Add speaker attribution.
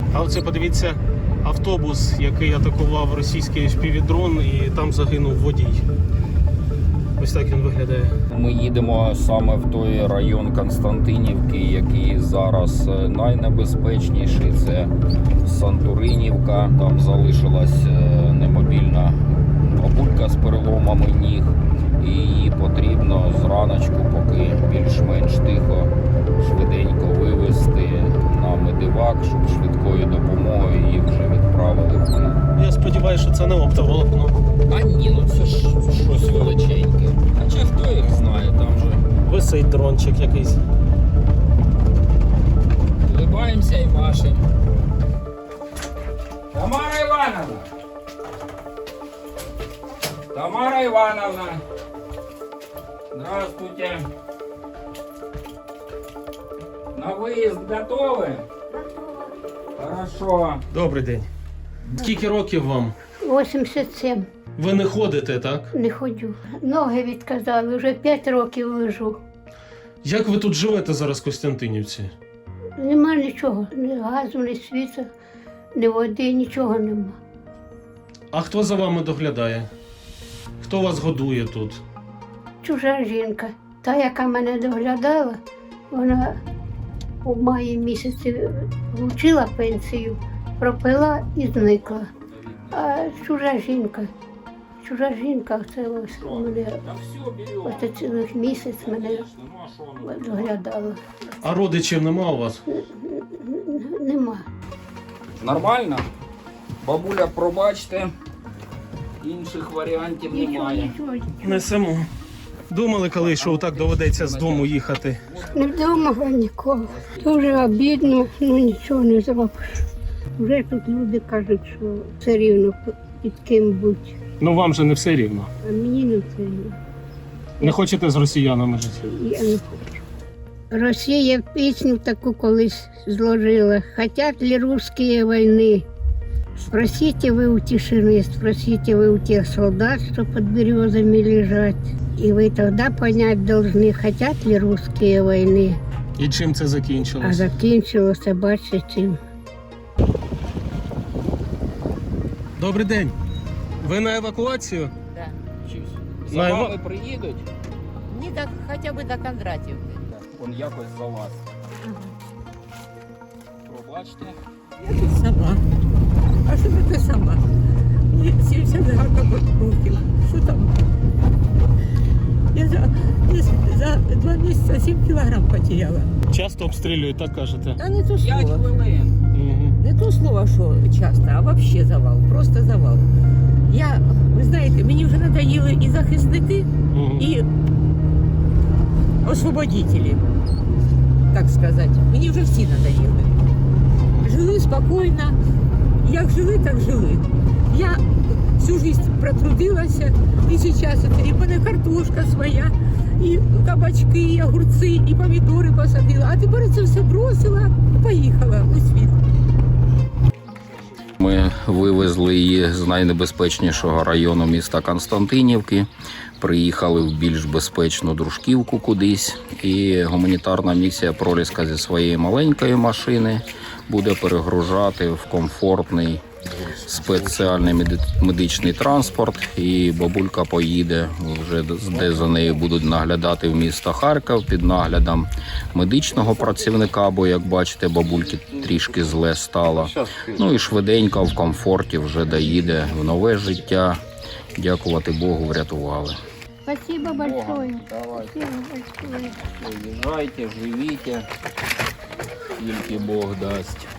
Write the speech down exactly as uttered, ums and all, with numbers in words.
Speaker 1: А оце подивіться автобус, який атакував російський еф пі ві-дрон, і там загинув водій. Ось так він виглядає.
Speaker 2: Ми їдемо саме в той район Константинівки, який зараз найнебезпечніший. Це Сантуринівка. Там залишилась немобільна бабулька з переломами ніг. І її потрібно зраночку, поки більш-менш тихо, швиденько вивезти на медивак, щоб швидкою допомогою її вже відправили в Київ.
Speaker 1: Я сподіваюся, що це не оптоволокно.
Speaker 2: А ні, ну це ж щось величеньке. Хоча хто їх знає, там же
Speaker 1: Висить дрончик якийсь.
Speaker 2: улибаємося і машемо. Тамара Івановна! Тамара Ивановна! Здравствуйте! На выезд готовы? Хорошо.
Speaker 1: Добрий день. Скільки років вам?
Speaker 3: вісімдесят сім.
Speaker 1: Ви не ходите, так?
Speaker 3: Не ходжу. Ноги відказали, вже п'ять років лежу.
Speaker 1: Як ви тут живете зараз в Костянтинівці?
Speaker 3: Нема нічого, ні газу, ні світла, ні води, нічого нема.
Speaker 1: А хто за вами доглядає? Хто вас годує тут?
Speaker 3: Чужа жінка, та, яка мене доглядала, вона у маї місяці влучила пенсію, пропила і зникла. А чужа жінка, чужа жінка, це ось мене, ось цілих місяць мене доглядала.
Speaker 1: А родичів нема у вас?
Speaker 3: Нема.
Speaker 2: Нормально? Бабуля, пробачте, інших варіантів
Speaker 3: Нічого,
Speaker 2: немає.
Speaker 3: нічого, нічого.
Speaker 1: Несемо. Думали коли, що так доведеться з дому їхати?
Speaker 3: Не вдома нікого. Дуже обідно, ну нічого не зробиш. Вже тут люди кажуть, що все рівно під ким будь.
Speaker 1: Ну вам же не все рівно.
Speaker 3: А мені не все рівно.
Speaker 1: Не хочете з росіянами жити?
Speaker 3: Я не хочу. Росія пісню таку колись зложила. Хотят ли русские войны? Спросите вы у тишины, спросите вы у тех солдат, что под березами лежат. И вы тогда понять должны, хотят ли русские войны.
Speaker 1: І чим це
Speaker 3: А
Speaker 1: закінчилось?
Speaker 3: закінчилося, бачите, чим.
Speaker 1: Добрий день. Ви на евакуацію?
Speaker 4: Да.
Speaker 2: За
Speaker 1: На
Speaker 2: вами
Speaker 1: Іва-
Speaker 2: приїдуть?
Speaker 4: Не до, хотя бы до Кондратьевки.
Speaker 2: Он якось за вас. Пробачте.
Speaker 5: Я тут сама. А що таке сама? Мені сімдесят років. Що там? Я за, десь за два місяці сім кілограм потеряла.
Speaker 1: Часто обстрілюють, так кажете?
Speaker 5: Та не то
Speaker 2: П'ять
Speaker 5: слово.
Speaker 2: хвилин.
Speaker 1: Угу.
Speaker 5: Не то слово, що часто, а взагалі завал. Просто завал. Я, ви знаєте, мені вже надоїли і захисники,
Speaker 1: Угу.
Speaker 5: і освободителі, так сказати. Мені вже всі надоїли. Жили спокійно. Як жили, так жили. Я всю життя протрудилася, і зараз і в мене картошка своя, і кабачки, і огурці, і помідори посадила. А тепер це все бросила і поїхала у світ.
Speaker 2: Ми вивезли її з найнебезпечнішого району міста Константинівки, приїхали в більш безпечну Дружківку кудись, і гуманітарна місія «Проліска» зі своєї маленької машини буде перегружати в комфортний спеціальний меди- медичний транспорт, і бабулька поїде вже де за нею будуть наглядати в місто Харків під наглядом медичного працівника, бо, як бачите, бабульки трішки зле стало. Ну і швиденько в комфорті вже доїде в нове життя. Дякувати Богу, врятували.
Speaker 3: Спасибо большое.
Speaker 2: Давайте,
Speaker 3: Спасибо большое.
Speaker 2: їжджайте, живіть, тільки Бог дасть.